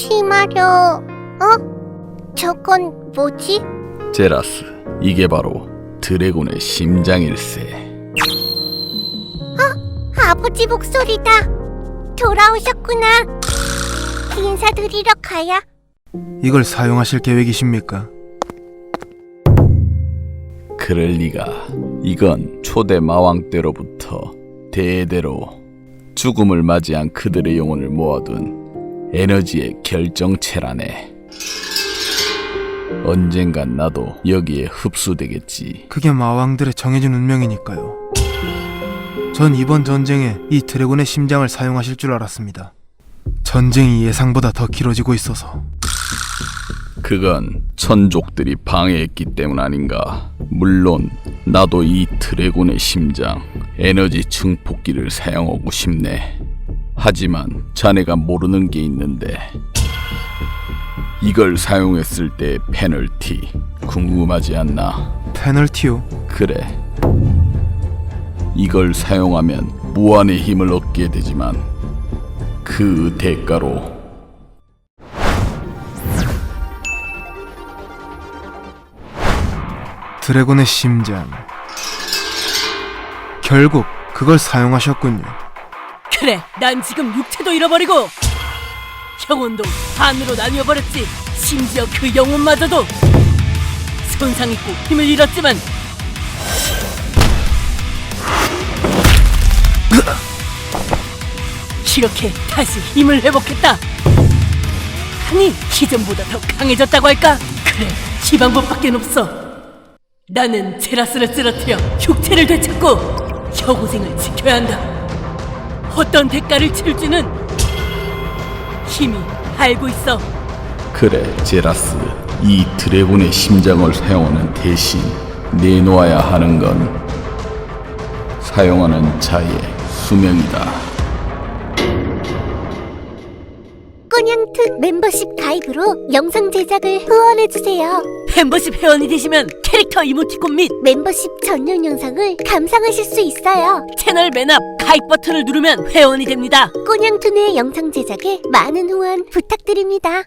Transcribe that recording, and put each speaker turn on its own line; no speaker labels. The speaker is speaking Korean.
심하려. 저건 뭐지?
제라스, 이게 바로 드래곤의 심장일세.
아버지 목소리다. 돌아오셨구나. 인사드리러 가야.
이걸 사용하실 계획이십니까?
그럴 리가. 이건 초대 마왕 때로부터 대대로 죽음을 맞이한 그들의 영혼을 모아둔 에너지의 결정체라네. 언젠간 나도 여기에 흡수되겠지.
그게 마왕들의 정해진 운명이니까요. 전 이번 전쟁에 이 드래곤의 심장을 사용하실 줄 알았습니다. 전쟁이 예상보다 더 길어지고 있어서.
그건 천족들이 방해했기 때문 아닌가. 물론 나도 이 드래곤의 심장 에너지 증폭기를 사용하고 싶네. 하지만 자네가 모르는 게 있는데, 이걸 사용했을 때의 페널티 궁금하지 않나?
페널티요?
그래, 이걸 사용하면 무한의 힘을 얻게 되지만 그 대가로
드래곤의 심장. 결국 그걸 사용하셨군요.
그래, 난 지금 육체도 잃어버리고 영혼도 반으로 나뉘어버렸지. 심지어 그 영혼마저도 손상 입고 힘을 잃었지만 이렇게 다시 힘을 회복했다. 아니, 기존보다 더 강해졌다고 할까? 그래, 이 방법밖에 없어. 나는 제라스를 쓰러뜨려 육체를 되찾고 여고생을 지켜야 한다. 어떤 대가를 치를지는 이미 알고 있어.
그래, 제라스, 이 드래곤의 심장을 사용하는 대신 내놓아야 하는 건 사용하는 자의 수명이다.
꼬냥특 멤버십 가입으로 영상 제작을 후원해주세요.
멤버십 회원이 되시면 캐릭터 이모티콘 및
멤버십 전용 영상을 감상하실 수 있어요.
채널 맨 앞 가입 버튼을 누르면 회원이 됩니다.
꼬냥투의 영상 제작에 많은 후원 부탁드립니다.